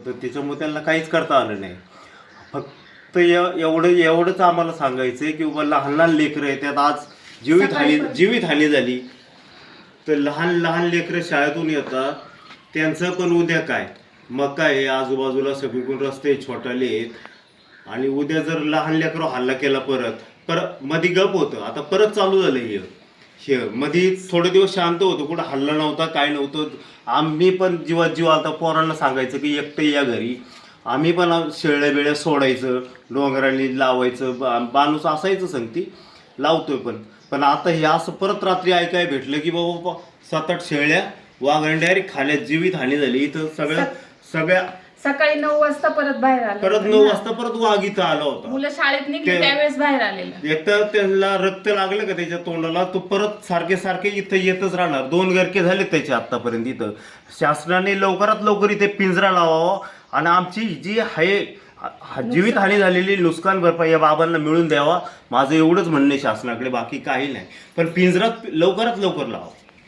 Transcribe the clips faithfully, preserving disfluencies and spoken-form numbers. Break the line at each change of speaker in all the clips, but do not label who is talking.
तर त्याच्यामुळे त्यांना काहीच करता आलं नाही. फक्त एवढं एवढंच आम्हाला सांगायचं आहे की बाबा लहान लहान लेकरं आहे त्यात आज जीवित हानी जीवित हानी झाली तर लहान लहान लेकरं शाळेतून येतात त्यांचं पण उद्या काय. मग काय हे आजूबाजूला सगळीकडून रस्ते छोटाले आहेत आणि उद्या जर लहान लेकरं हल्ला केला परत परत मध्ये गप होतं आता परत चालू झालं हे हे मध्ये थोडे दिवस शांत होतं कुठं हल्ला नव्हता काय नव्हतं. आम्ही पण जीवात जीव आता पोरांना सांगायचं की एकटं या घरी आम्ही पण शेळ्या बेळ्या सोडायचं डोंगरांनी लावायचं बाणूस असायचं संगती लावतोय पण पण आता हे असं परत रात्री ऐकाय भेटलं की बाबा सात आठ शेळ्या वाघाने डायरेक्ट खाण्यात जीवित हानी झाली. इथं सगळ्या सगळ्या
सकाळी नऊ वाजता परत बाहेर आले
परत नऊ वाजता परत वाघ इथं आला होता.
मुलं शाळेत निघली त्यावेळेस बाहेर आलेलं
एक तर त्यांना रक्त लागलं का त्याच्या तोंडाला तो परत सारखे सारखे इथं येतच राहणार. दोन गरके झाले त्याचे आतापर्यंत. इथं शासनाने लवकरात लवकर इथे पिंजरा लावावा आणि आमची जी आहे जीवित हानी झालेली नुकसान भरपाई या बाबांना मिळून द्यावा माझं एवढंच म्हणणं आहे शासनाकडे बाकी काही नाही. पण पिंजरात लवकरात लवकर लावा.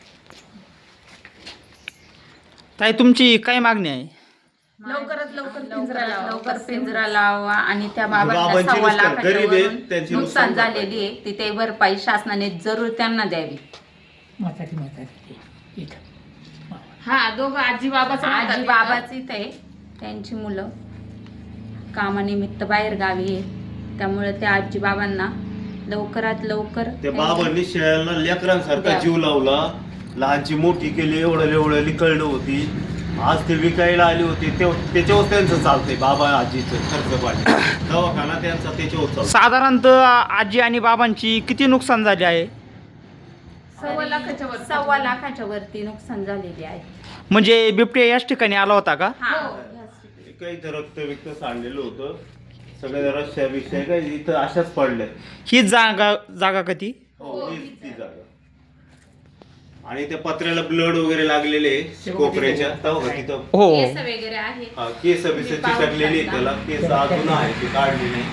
ताई तुमची काय मागणी आहे?
लवकरात लवकर पिंजरा
लवकरात
लावा.
लवकर पिंजरा लावा आणि त्या बाबांना
बाबांची
सव्वा
नुकसान
लाखाच्या
गरीब आहेत,
वरून
त्यांची
नुकसान
नुकसान
झालेली आहे तिथे भरपाई शासनाने जरूर त्यांना द्यावी.
म्हातारी म्हातारी इथं
हा दोघं आजी बाबाचं
आजी
राहतात.
बाबाच इथे त्यांची मुलं कामानिमित्त बाहेर गावी आहे त्यामुळे त्या आजी बाबांना लवकरात लवकर
त्या बाबांनी शेळ्याला लेकरांसारखा जीव लावला लहानची मोठी केली एवढं एवढं कळलं होती. आज ते विकायला आली होती ते त्याच्यावर त्यांचं चालतंय बाबा आजीचं खर्च पाणी दवाखाना त्यांचा त्याच्यावर चालतो.
साधारणतः आजी आणि बाबांची किती नुकसान झाले आहे?
सव्वा लाखाच्या वर
सव्वा लाखाच्या वरती नुकसान झालेले आहे.
म्हणजे बिबट्या याच ठिकाणी आला होता का?
हा
काही तर रक्त विक्त सांडलेलं होतं सगळ्या रस्त्या विषय काय इथं अशाच पडल्या.
ही जागा जागा कधी?
हो हीच ती जागा. आणि त्या पत्र्याला ब्लड वगैरे लागलेले कोपऱ्याच्या तेव्हा तिथं
हो
केस वगैरे आहे.
हा, केस बिस चिकटलेली आहेत त्याला केस अजून आहे ती काढली नाही.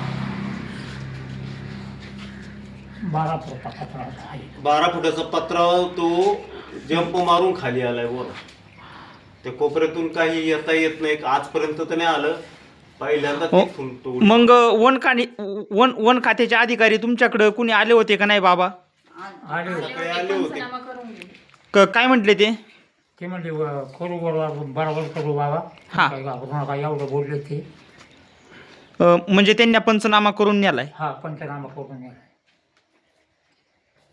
बारा फुटा पत्रा आहे.
बारा फुटाचा पत्रा तो जंप मारून खाली आलाय वर. त्या कोपऱ्यातून काही येता येत नाही आजपर्यंत तर नाही आलं पहिल्यांदा
हो.
तिथून तो
मग वन खाणी वन वन खात्याचे अधिकारी तुमच्याकडे कुणी आले होते का नाही बाबा?
आले होते.
सकाळी आले होते.
पंचनामा करून घे.
क- काय म्हटले ते?
ते म्हणले "व- करू बरोबर बरोबर करू बाबा
हा.
काही घाबरू नका" एवढं बोलले ते.
अ, म्हणजे त्यांनी पंचनामा करून नेलाय.
हा पंचनामा करून या.